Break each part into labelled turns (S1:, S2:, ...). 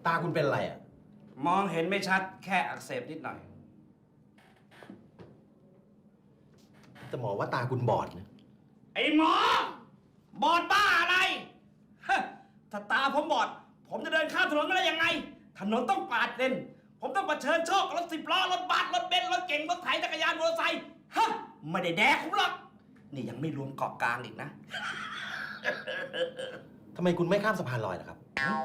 S1: ตาคุณเป็นอะไรอ่ะ
S2: มองเห็นไม่ชัดแค่อักเสบนิดหน่อย
S1: แต่หมอว่าตาคุณบอดนะ
S2: ไอ้หมอ บอดบ้าอะไรฮะถ้าตาผมบอด ผมจะเดินข้ามถนนได้ยังไง ถนนต้องปาดเลนผมต้องเผชิญโชคกับรถ10 ล้อ รถบัส รถเบนซ์ รถเก๋ง รถไถ จักรยาน มอเตอร์ไซค์ ฮะ ไม่ได้แดกผมหรอก นี่ยังไม่รวมเกาะกลางอีกนะ
S1: ทำไมคุณไม่ข้ามสะพานลอยล่ะครับ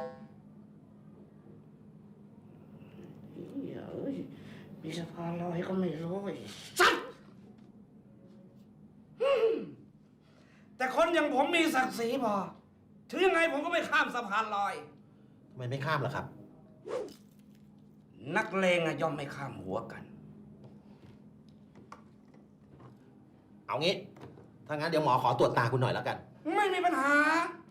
S2: มีสะพานลอยก็ไม่รู้สัตว์แต่คนอย่างผมมีศักดิ์ศรีพอ ถึงยังไงผมก็ไม่ข้ามสะพานลอย
S1: ทำไมไม่ข้ามล่ะครับ
S2: นักเลงย่อมไม่ข้ามหัวกัน
S1: เอางี้ ถ้างั้นเดี๋ยวหมอขอตรวจตาคุณหน่อยแล้วกัน
S2: ไม่มีปัญหา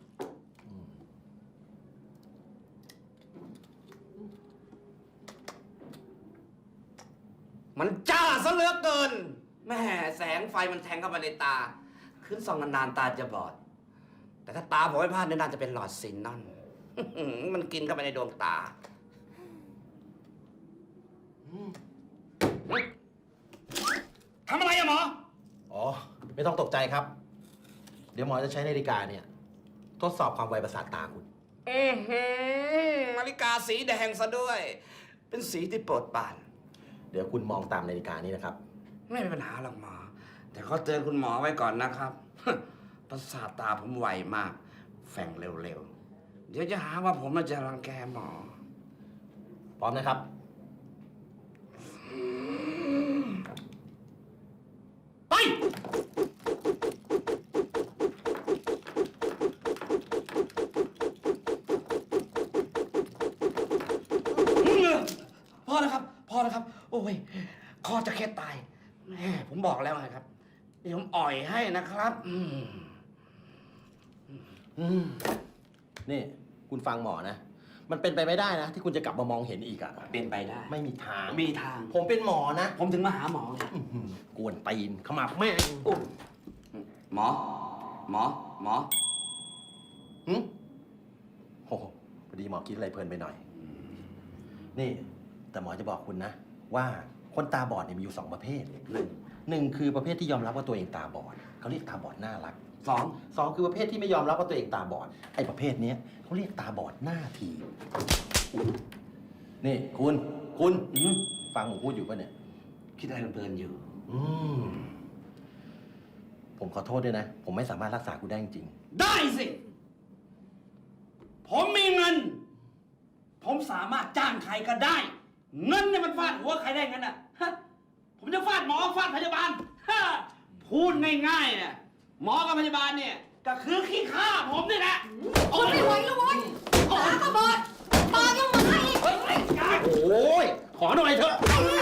S2: มันจ้าซะเหลือเกิน แม่แสงไฟมันแทงเข้ามาในตา ขึ้นส่องนานๆตาจะบอด แต่ถ้าตาผมไม่พลาดเนี่ยน่าจะเป็นหลอดซินนอน มันกินเข้าไปในดวงตา ทำอะไรอะหมอ
S1: อ๋อ ไม่ต้องตกใจครับ เดี๋ยวหมอจะใช้นาฬิกาเนี่ย ทดสอบความไวประสาทตาคุณ
S2: นาฬิกาสีแดงซะด้วย เป็นสีที่โปรดปราน
S1: เดี๋ยวคุณมองตามนาฬิกานี้นะครับ
S2: ไม่มีปัญหาหรอกหมอ แต่ขอเตือนคุณหมอไว้ก่อนนะครับ ประสาทตาผมไวมาก แฝงเร็วๆ เดี๋ยวจะหาว่าผมมาจะรังแกหมอ
S1: พร้อมนะครับ
S2: ไป พอแล้วครับ พอแล้วครับ โอ้ย คอจะแค่ตายแม่ผมบอกแล้วไงครับ เดี๋ยวผมอ่อยให้นะครับ
S1: นี่ คุณฟังหมอนะ มันเป็นไปไม่ได้นะ ที่คุณจะกลับมามองเห็นอีกอะ
S2: เป็นไปได้
S1: ไม่มีทาง
S2: มีทาง
S1: ผมเป็นหมอนะ
S2: ผมถึงมาหาหมอไง
S1: กวนตีนขมับแม่ง
S2: หมอ หมอ หมอ
S1: หึโอ้โหพอดีหมอคิดอะไรเพลินไปหน่อย นี่ แต่หมอจะบอกคุณนะ ว่าคนตาบอดเนี่ยมีอยู่2 ประเภท หนึ่งคือประเภทที่ยอมรับว่าตัวเองตาบอดเขาเรียกตาบอดน่ารัก สองคือประเภทที่ไม่ยอมรับว่าตัวเองตาบอด ไอ้ประเภทเนี้ยเขาเรียกตาบอดหน้าทีนี่คุณฟังผมพูดอยู่ป่ะเนี่ย
S2: คิดอะไรเพลินๆอยู่
S1: ผมขอโทษด้วยนะ ผมไม่สามารถรักษาคุณได้จริง
S2: ได้สิ ผมมีเงิน ผมสามารถจ้างใครก็ได้ เงินเนี่ยมันฟาดหัวใครได้งั้นอ่ะฮะผมจะฟาดหมอฟาดพยาบาลฮะพูดง่ายๆเนี่ยหมอกับพยาบาลเนี่ยก็คือขี้ข้าผมนี่แหละ
S3: โอ้ยไม่ไหวแล้วเว้ยตาก็บอดปากยังหมาอีก
S2: เฮ้ย
S1: ๆ โอ้ย ขอหน่อยเถอะ
S3: ไอ้